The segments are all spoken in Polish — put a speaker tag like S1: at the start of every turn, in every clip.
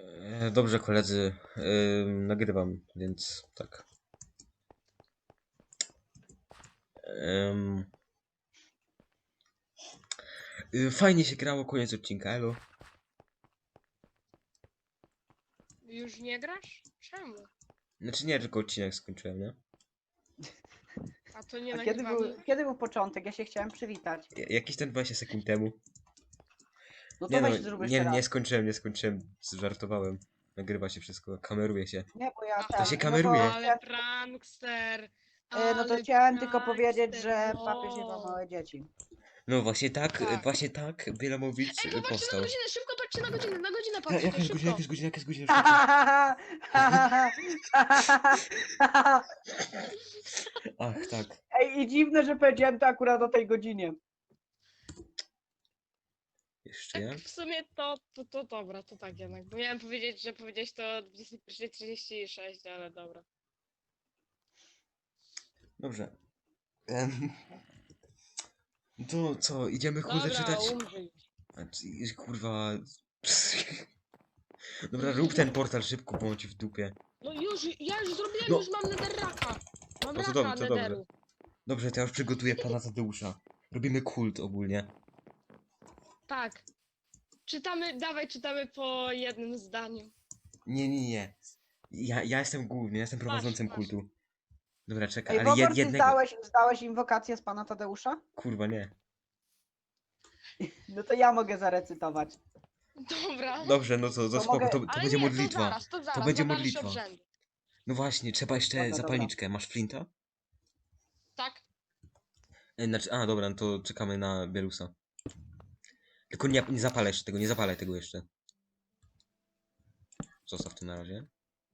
S1: Dobrze, koledzy, nagrywam, więc tak. Fajnie się grało, koniec odcinka, elo.
S2: Już nie grasz? Czemu?
S1: Znaczy nie, tylko odcinek skończyłem, nie?
S2: A to nie
S3: A
S2: nagrywamy?
S3: kiedy był początek? Ja się chciałem przywitać.
S1: Jakiś ten 20 sekund temu.
S3: No to
S1: Nie no,
S3: weź zrób jeszcze
S1: nie
S3: raz.
S1: skończyłem, żartowałem. Nagrywa się wszystko, kameruje się.
S3: Nie, bo ja
S1: To się
S3: no
S1: kameruje.
S2: Ale prankster!
S3: No to
S2: Ale
S3: chciałem tylko powiedzieć,
S2: prankster,
S3: że
S2: no.
S3: papież nie ma małe dzieci.
S1: No właśnie tak,
S2: Tak.
S1: Wielomowicz
S2: Ej, popatrzcie
S1: powstał.
S2: na godzinę, szybko patrzcie na godzinę patrzcie,
S1: Jaka jest
S2: szybko.
S1: godzina, jaka jest godzina? Ach, tak.
S3: Ej, i dziwne, że powiedziałem to akurat o tej godzinie.
S1: Jeszcze ja?
S2: Tak w sumie to dobra, to tak jednak. Bo miałem powiedzieć, że powiedziałeś to o 21:36, ale dobra.
S1: Dobrze. To co, idziemy kurde
S2: Dobra,
S1: czytać?
S2: umrzyj.
S1: Kurwa. Dobra, rób ten portal szybko, bądź w dupie.
S2: No już, ja już zrobiłem,
S1: No.
S2: już mam netherraka. Mam
S1: No to
S2: raka
S1: dobrze, to dobrze.
S2: netheru.
S1: Dobrze, to ja już przygotuję pana Tadeusza. Robimy kult ogólnie.
S2: Tak. Czytamy po jednym zdaniu.
S1: Nie. Ja jestem główny, ja jestem prowadzącym
S2: masz.
S1: kultu. Dobra, czekaj,
S3: Ej,
S1: ale
S3: Bobor, ty
S1: jednego.
S3: zdałeś inwokację z pana Tadeusza?
S1: Kurwa, nie.
S3: No to ja mogę zarecytować.
S2: Dobra.
S1: Dobrze, no to
S3: To
S1: spoko,
S3: mogę-
S1: to
S2: Ale
S1: będzie
S2: nie,
S1: modlitwa.
S2: to zaraz,
S1: będzie
S2: za dalsze
S1: modlitwa.
S2: obrzędy.
S1: No właśnie, trzeba jeszcze
S3: Dobra,
S1: zapalniczkę. Masz flinta?
S2: Tak?
S1: Znaczy, dobra, no to czekamy na Bielusa. Tylko nie zapalaj jeszcze tego, nie zapalaj tego jeszcze. Zostaw to na razie.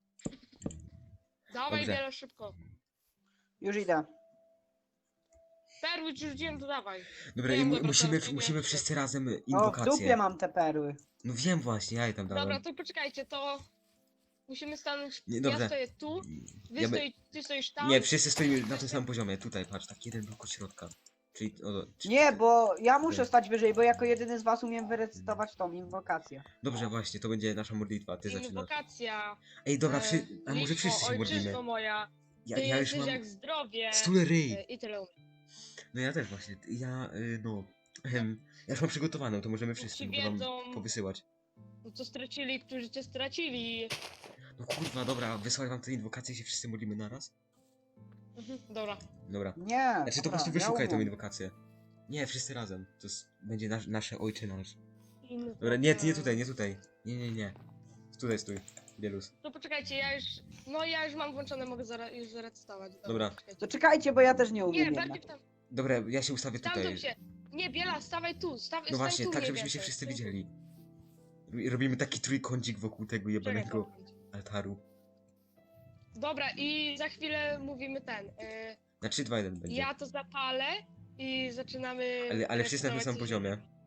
S2: Dawaj
S1: Dobrze.
S2: wiele szybko.
S3: Już idę.
S2: Perły ci rzuciłem, to dawaj.
S1: Dobra, i
S2: Wiem, dobra,
S1: musimy
S2: nie,
S1: wszyscy razem
S3: O, w
S1: inwokację.
S3: dupie mam te perły.
S1: No wiem właśnie, ja je tam
S2: Dobra,
S1: dałem.
S2: to poczekajcie, to... Musimy stanąć...
S1: Nie,
S2: Ja
S1: dobrze.
S2: stoję tu,
S1: Ja by-
S2: ty stoisz tam.
S1: Nie, wszyscy stoimy na tym samym poziomie. Tutaj, patrz, tak jeden blok od środka. Czyli,
S3: Nie, bo ja muszę
S1: Dobra.
S3: stać wyżej, bo jako jedyny z was umiem wyrecytować tą inwokację.
S1: Dobrze, właśnie, to będzie nasza modlitwa, ty zaczynasz.
S2: Inwokacja.
S1: Ej, dobra, a może
S2: Litwo,
S1: wszyscy się
S2: ojczyzno
S1: modlimy?
S2: moja.
S1: Ja
S2: Ty
S1: już
S2: jesteś
S1: mam
S2: jak zdrowie.
S1: stule ryj.
S2: I tyle umiem.
S1: No ja też właśnie, ja już mam przygotowaną, to możemy wszyscy
S2: Ci
S1: mogę wam
S2: wiedzą.
S1: powysyłać.
S2: No co stracili, którzy cię stracili.
S1: No kurwa, dobra, wysłać wam tę inwokację i się wszyscy modlimy naraz?
S2: Dobra.
S1: Dobra.
S3: Nie.
S1: Znaczy to po
S3: dobra,
S1: prostu
S3: ja
S1: wyszukaj tą
S3: umiem.
S1: inwokację. Nie, wszyscy razem. To będzie nasze ojcze nasz.
S2: Inwoka-
S1: Dobra, nie tutaj. Nie. Stój, Bielus.
S2: To poczekajcie, ja już mam włączone, mogę już zarejestrować.
S1: Dobra.
S2: Poczekajcie.
S3: To czekajcie, bo ja też nie
S2: Nie,
S3: umiem
S2: bardziej
S3: jednak.
S2: tam.
S1: Dobra, ja się ustawię
S2: Tam
S1: tutaj.
S2: się. Nie, Biela, stawaj tu.
S1: No
S2: stań
S1: właśnie,
S2: tu
S1: tak
S2: mniej
S1: żebyśmy się
S2: więcej.
S1: wszyscy
S2: Stój tu.
S1: widzieli. Robimy taki trójkącik wokół tego
S2: Czekaj,
S1: jebanego
S2: moment.
S1: altaru.
S2: Dobra, i za chwilę mówimy
S1: Na 3, 2, 1 będzie.
S2: ja to zapalę i zaczynamy.
S1: Ale wszyscy na tym samym
S2: rejestrować
S1: poziomie.
S2: coś.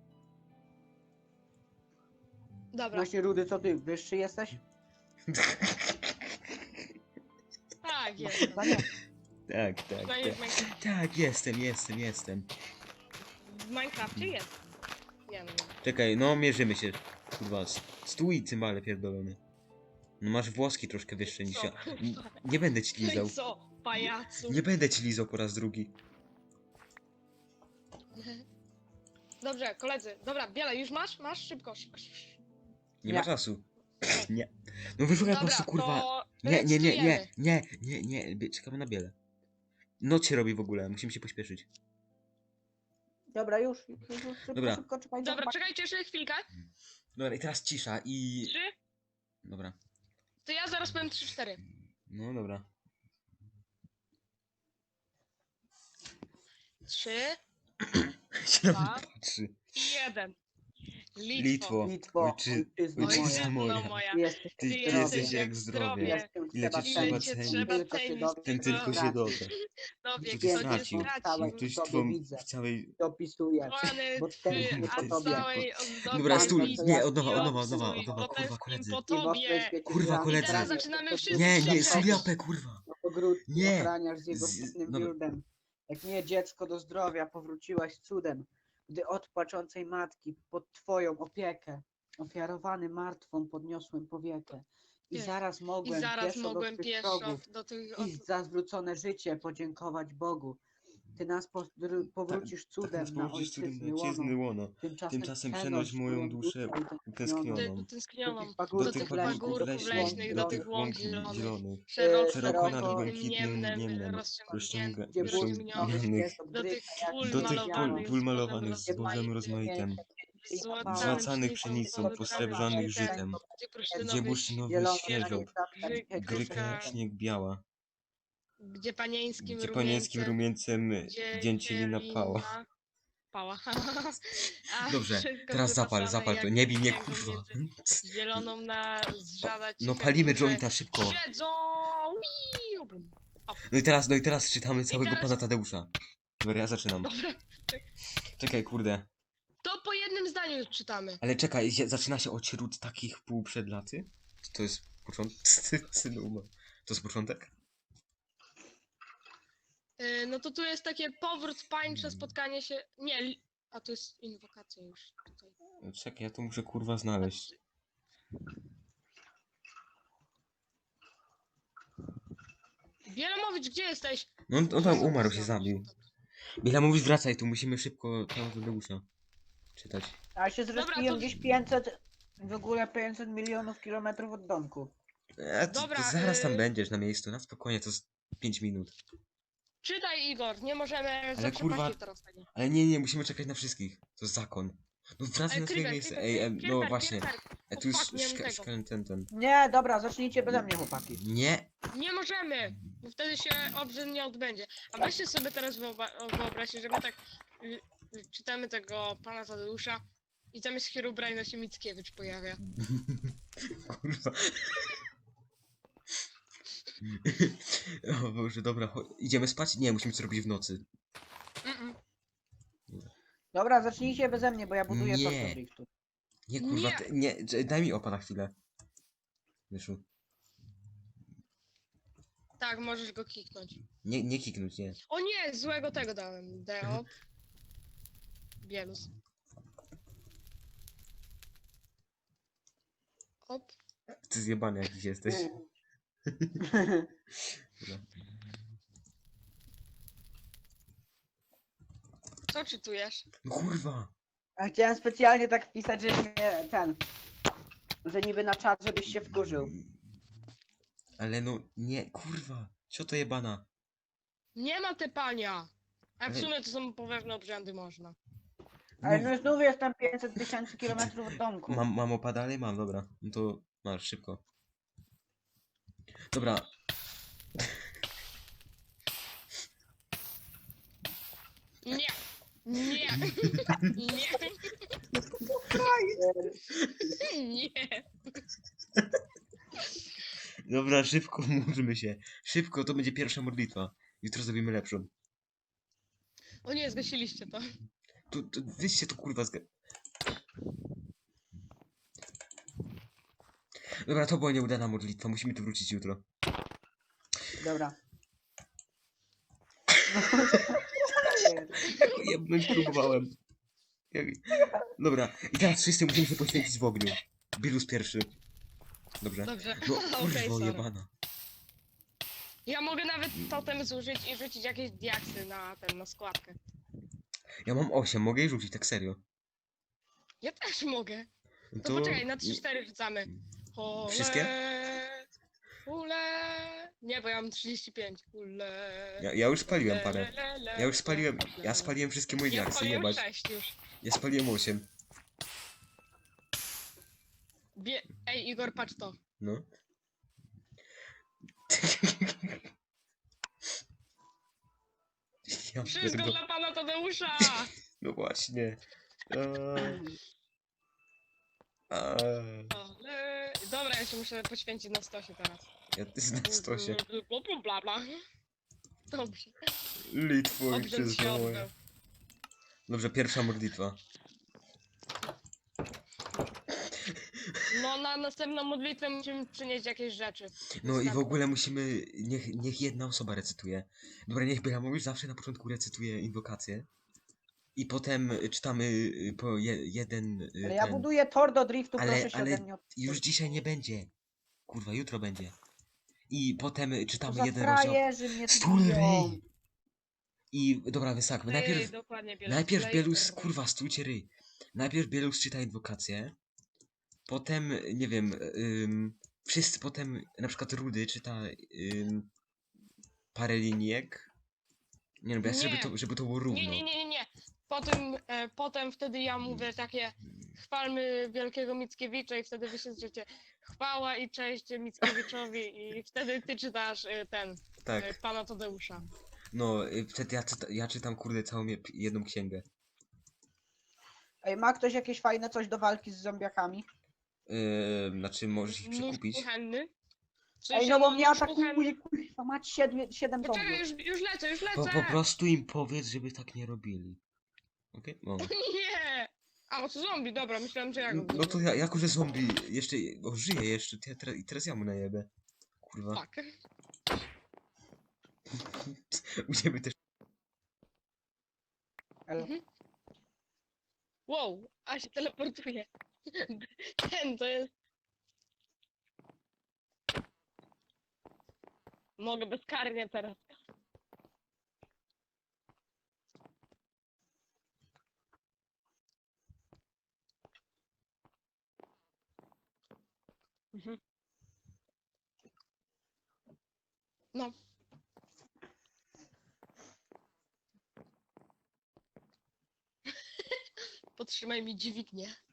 S2: Dobra,
S3: Właśnie Rudy, co ty, wyższy jesteś?
S2: tak, jest.
S3: Chyba nie.
S1: Tak. Tak, jestem.
S2: W Minecrafcie jest. Nie no.
S1: Czekaj, no mierzymy się. Kurwa, stój cymbale pierdolony. No masz włoski troszkę wyższe niż ja. Nie będę ci
S2: No
S1: lizał.
S2: i co, pajacu?
S1: Nie będę ci lizał po raz drugi.
S2: Dobrze, koledzy. Dobra, Biela, już masz? Masz? Szybko.
S1: Nie
S3: Nie.
S1: ma czasu. Nie. No wyszukaj po
S2: Dobra,
S1: prostu kurwa.
S2: to
S1: Nie.
S2: rejestrujemy.
S1: Czekamy na biele. Noc się robi w ogóle, musimy się pośpieszyć.
S3: Dobra, już.
S1: Dobra.
S3: Szybko, czekajcie.
S2: Dobra, czekajcie jeszcze chwilkę.
S1: Dobra, i teraz cisza i...
S2: 3.
S1: Dobra.
S2: To ja zaraz powiem 3-4.
S1: No dobra.
S2: 3,
S1: Się na mnie
S2: Dwa.
S1: patrzy.
S2: 1.
S1: Litwo.
S3: Litwo,
S1: Ojczyzno
S3: ojczyzno
S1: moja.
S2: moja.
S3: Ty jesteś
S1: Ty
S3: zdrowy.
S1: jesteś jak zdrowie.
S3: Jestem
S1: Ile cię
S3: trzeba
S1: trzeba
S3: cenić.
S1: cenić.
S3: Tylko się dowiesz,
S1: Ten tylko się doda.
S2: Dowie,
S1: Ty
S2: kto cię
S1: stracił.
S2: stracił.
S1: Ktoś
S3: Tobie
S1: twą
S3: widzę.
S1: w całej...
S3: Dopisujesz.
S2: Kochany
S3: Bo
S2: ty,
S3: tęsknię
S2: a
S3: po tobie.
S2: całej ozdobie
S1: Dobra,
S3: stój,
S2: widzę
S3: nie,
S1: od nowa,
S2: i
S1: od nowa,
S2: obcuj,
S1: kurwa,
S2: potęsknię
S1: koledzy.
S2: po
S3: I w ostrej
S2: tobie.
S3: świecie
S1: Kurwa,
S3: gra-
S1: koledzy.
S2: I teraz
S3: graniasz
S2: zaczynamy
S3: po
S2: wszyscy
S1: Nie,
S2: krzyczeć.
S1: suliapę, kurwa.
S3: po ogródku
S1: Nie.
S3: ochraniasz z jego
S1: Z-
S3: pięknym
S1: dobra.
S3: biurdem. Jak nie dziecko do zdrowia powróciłaś cudem, gdy od płaczącej matki pod twoją opiekę Ofiarowany martwą podniosłem powiekę. I
S2: Jest.
S3: zaraz
S2: I
S3: mogłem
S2: zaraz
S3: pieszo do
S2: mogłem
S3: swych
S2: pieszo
S3: wrogów
S2: do tych...
S3: iść za zwrócone życie, podziękować Bogu. Ty nas powrócisz
S1: Tak
S3: cudem
S1: nas
S3: na
S1: położysz cudem na
S3: ojczyzny łono.
S1: ojczyzny łono. Tymczasem przenoś moją duszę utęsknioną.
S3: Do
S2: utęsknioną,
S3: tych
S1: Do
S2: do
S1: tych
S2: tych
S3: pagórków leśnych, do
S1: pagórków
S3: tych
S2: pagórków
S3: łąk
S1: leśnych,
S2: leśnych, do
S1: do
S3: zielonych,
S2: tych
S1: tych
S2: łąk
S1: łąk
S2: zielonych,
S1: zielonych.
S2: szeroko
S1: Szeroko
S2: nad
S1: nad
S3: szeroko
S2: błękitnym
S1: błękitnym
S2: niemnem
S1: niemnem
S3: gdzie
S1: rozciągnionych.
S3: błękitność jest
S2: do tych
S3: odgryta jak
S2: pól
S1: Do tych
S3: biała.
S1: pól
S2: malowanych
S1: malowanych
S2: zbożem
S1: zbożem
S2: rozmaitym,
S1: rozmaitym.
S2: złacanym
S1: Złacanych
S2: pszenicą,
S1: pszenicą, posrebrzanych żytem.
S2: gdzie
S1: Gdzie
S2: bursztynowy
S1: bursztynowy
S3: Zielono
S1: świeżo gryka jak
S2: gryka,
S1: śnieg biała.
S2: gdzie panieńskim
S1: Gdzie panieńskim rumieńcem
S2: gdzie
S1: dzięcielina pała.
S2: pała. A
S1: Dobrze,
S2: wszystko
S1: teraz zapal
S2: wypasane
S1: to.
S2: jak
S1: Nie bij mnie,
S2: księgą
S1: kurwa.
S2: między zieloną na zżadać
S1: No
S2: ciche
S1: palimy
S2: dusze.
S1: jointa szybko.
S2: Siedzą! Wiu, bum.
S1: No i teraz czytamy całego
S2: teraz-
S1: pana Tadeusza. Dobra, ja zaczynam.
S2: Dobra,
S1: Czekaj, kurde.
S2: to po jednym zdaniu czytamy.
S1: Ale czekaj, zaczyna się od wśród takich półprzedlaty? To jest początek? To jest początek?
S2: No to tu jest takie powrót pańcze, spotkanie się... Nie, a to jest inwokacja już tutaj.
S1: Czekaj, ja to muszę kurwa znaleźć.
S2: Wielamowicz, gdzie jesteś?
S1: No on tam umarł, się zabił. Biela mówi wracaj, tu musimy szybko pana Tadeusza czytać.
S3: A się
S2: Dobra,
S3: zrespiłem
S2: to-
S3: gdzieś 500, w ogóle 500 milionów kilometrów od domku.
S2: Dobra,
S1: to zaraz tam będziesz na miejscu, na spokojnie, to jest 5 minut.
S2: Czytaj, Igor, nie możemy za
S1: kurwa-
S2: przepaścić teraz tego.
S1: Ale nie, musimy czekać na wszystkich. To jest zakon. No wracaj na swoje miejsce. No właśnie. Tu już
S2: fuck, nie mam tego.
S1: ten.
S3: Nie, dobra, zacznijcie beze mnie, chłopaki.
S1: Nie.
S2: Nie możemy, bo wtedy się obrzęd nie odbędzie. A weźcie sobie teraz wyobraźcie, że my tak czytamy tego pana Tadeusza i zamiast Herobrina się Mickiewicz pojawia.
S1: Kurwa. O Boże, dobra, idziemy spać? Nie, musimy coś robić w nocy.
S2: Mm-mm.
S3: Dobra, zacznijcie beze mnie, bo ja buduję
S1: Nie.
S3: tor do driftu.
S1: Nie, kurwa,
S2: Nie.
S1: daj mi opa na chwilę. Myszu.
S2: Tak, możesz go kiknąć.
S1: Nie kiknąć, nie.
S2: O nie, złego tego dałem. Deop. Bielus. Op.
S1: Ty zjebany jakiś jesteś.
S2: Co czytujesz?
S1: No kurwa.
S3: A chciałem specjalnie tak wpisać, że nie że niby na czat, żebyś się wkurzył.
S1: Ale no, nie, kurwa. Co to jebana?
S2: Nie ma tepania. A w
S1: Ale-
S2: sumie to są pewne obrzędy można.
S3: Ale no znów jestem 500 tysięcy kilometrów od domku.
S1: Mam opa dalej? Mam, dobra. No to masz, szybko. Dobra.
S2: Nie. Nie. Nie. Nie.
S1: Dobra, szybko módlmy się. Szybko, to będzie pierwsza modlitwa. Jutro zrobimy lepszą.
S2: O nie, zgasiliście to.
S1: To wyście to kurwa Dobra, to była nieudana modlitwa, musimy tu wrócić jutro.
S3: Dobra.
S1: Jebnąć próbowałem. Dobra, i teraz wszyscy musimy się poświęcić w ogniu. Bilus pierwszy. Dobrze.
S2: Dobrze.
S1: No
S2: Okej,
S1: kurwo
S2: sorry.
S1: jebana.
S2: Ja mogę nawet totem zużyć i rzucić jakieś diaksy na składkę.
S1: Ja mam 8, mogę jej rzucić, tak serio.
S2: Ja też mogę.
S1: No
S2: To poczekaj, na 3-4 rzucamy. Ole,
S1: Wszystkie?
S2: Ule. Nie, bo ja mam 35. Ule.
S1: Ja już spaliłem parę.
S2: Le, le,
S1: Ja już spaliłem. Ja spaliłem wszystkie moje
S2: Ja
S1: diaksy,
S2: spaliłem
S1: jebać.
S2: 6 już.
S1: Ja spaliłem 8.
S2: Ej, Igor, patrz to.
S1: No. Ja
S2: Wszystko
S1: pierdolę.
S2: dla pana Tadeusza!
S1: No właśnie.
S2: Ale... Dobra, ja się muszę poświęcić na stosie teraz.
S1: Ja ty na stosie.
S2: Bla bla. Dobrze.
S1: Litwo i
S2: Obrzęd się
S1: przyznałem.
S2: odbył.
S1: Dobrze, pierwsza modlitwa.
S2: No na następną modlitwę musimy przynieść jakieś rzeczy.
S1: No i w ogóle musimy. Niech jedna osoba recytuje. Dobra, niech Bela mówisz zawsze na początku recytuje inwokację. I potem czytamy po jeden
S3: Ale ja
S1: ten.
S3: buduję tor do driftu,
S1: Ale-
S3: proszę się
S1: ale
S3: ode mnie
S1: Już dzisiaj nie będzie. Kurwa, jutro będzie. I potem
S3: To
S1: czytamy
S3: za
S1: jeden rozdział.
S3: frajerzy mnie tu
S1: Stul
S3: biją.
S1: ryj! I dobra, wysakmy.
S2: Ej, dokładnie, Bielus.
S1: Najpierw
S2: Play
S1: Bielus,
S2: R.
S1: kurwa, stójcie ryj. Najpierw Bielus czyta inwokację. Potem, nie wiem, wszyscy potem, na przykład Rudy czyta parę linijek. Nie no, bo ja chcę,
S2: Nie.
S1: żeby to było równo.
S2: Nie. Potem wtedy ja mówię takie chwalmy wielkiego Mickiewicza i wtedy wy się zrzecie chwała i cześć Mickiewiczowi i wtedy ty czytasz
S1: Tak.
S2: pana Tadeusza.
S1: No, wtedy ja czytam, kurde, całą jedną księgę.
S3: Ej, ma ktoś jakieś fajne coś do walki z zombiakami?
S1: Znaczy, możesz ich
S2: Nóż
S1: przekupić.
S2: kuchenny. W
S3: Ej,
S2: sensie,
S3: no bo mnie
S2: nóż
S3: atakuje,
S2: kuchenny.
S3: kurwa, mać 7
S2: Poczekaj,
S3: zombiów.
S2: już lecę.
S1: Po prostu im powiedz, żeby tak nie robili. Okej? No.
S2: Nie! A, to zombie, dobra, myślałem, że ja go
S1: No to ja, jako że zombie jeszcze żyje jeszcze, to i teraz ja mu najebę. Kurwa.
S2: Fuck.
S1: U ciebie też.
S3: Elo.
S2: Mhm. Wow, a się teleportuje. To jest... Mogę bezkarnie teraz. Mhm. No. Podtrzymaj mi dźwignię.